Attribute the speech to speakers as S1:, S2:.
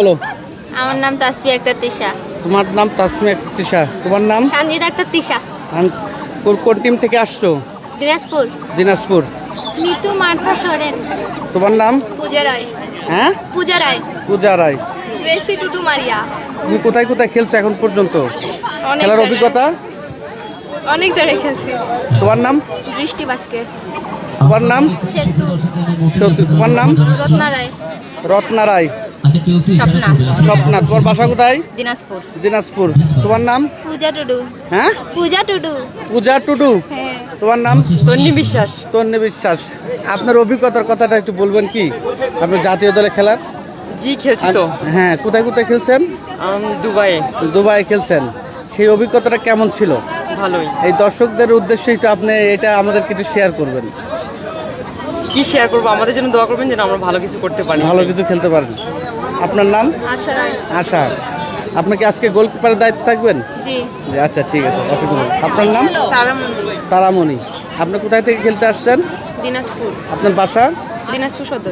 S1: বলো।
S2: আমার নাম তাসফিয়া আক্তার তিশা।
S1: তোমার নাম তাসমিয়া তিশা। তোমার নাম?
S2: সঞ্জিদা আক্তার তিশা।
S1: কোন টিম থেকে আসছো?
S2: দিনাজপুর।
S1: দিনাজপুর।
S2: নিতু মার্থা সোরেন।
S1: তোমার নাম?
S2: পূজা রায়।
S1: হ্যাঁ,
S2: পূজা রায়।
S1: পূজা রায়।
S2: রেসি টুটু মারিয়া।
S1: তুমি কোথায় কোথায় খেলছো এখন পর্যন্ত?
S2: অনেক
S1: খেলার
S2: জায়গায়।
S1: অভিজ্ঞতা?
S2: অনেক জায়গায় খেলছি।
S1: তোমার নাম?
S2: বৃষ্টি বাসকে।
S1: তোমার নাম?
S2: সেতু।
S1: সত্যি। তোমার নাম?
S2: রত্না রায়।
S1: রত্না রায়।
S2: স্বপ্না।
S1: স্বপ্না। তোমার বাসা কোথায়?
S2: দিনাজপুর।
S1: দিনাজপুর। তোমার নাম?
S2: পূজা টুডু।
S1: হ্যাঁ,
S2: পূজা টুডু।
S1: পূজা টুডু।
S2: হ্যাঁ।
S1: তোমার নাম?
S2: তন্নি বিশ্বাস।
S1: তন্নি বিশ্বাস। আপনার অভিজ্ঞতার কথাটা একটু বলবেন কি? আপনার জাতীয় দলে খেলার?
S3: জি খেলছি তো
S1: হ্যাঁ, কোথায় কোথায় খেলছেন?
S3: দুবাইয়ে।
S1: দুবাই খেলছেন। সেই অভিজ্ঞতাটা কেমন ছিল?
S3: ভালোই।
S1: এই দর্শকদের উদ্দেশ্যে একটু আপনি এটা আমাদের কিছু শেয়ার করবেন।
S3: কি শেয়ার করবো, আমাদের জন্য দোয়া করবেন যেন আমরা ভালো কিছু করতে পারি।
S1: ভালো কিছু খেলতে পারেন। আপনার নাম?
S2: আশা রায়।
S1: আশা। আপনি কি আজকে গোলকিপারের দায়িত্বে থাকবেন?
S2: জি।
S1: জি, আচ্ছা ঠিক আছে, অসুবিধা নেই। আপনার নাম?
S2: তারামণি।
S1: তারামণি। আপনি কোথায় থেকে খেলতে আসছেন?
S2: দিনাজপুর।
S1: আপনার বাসা?
S2: দিনাজপুর সদর।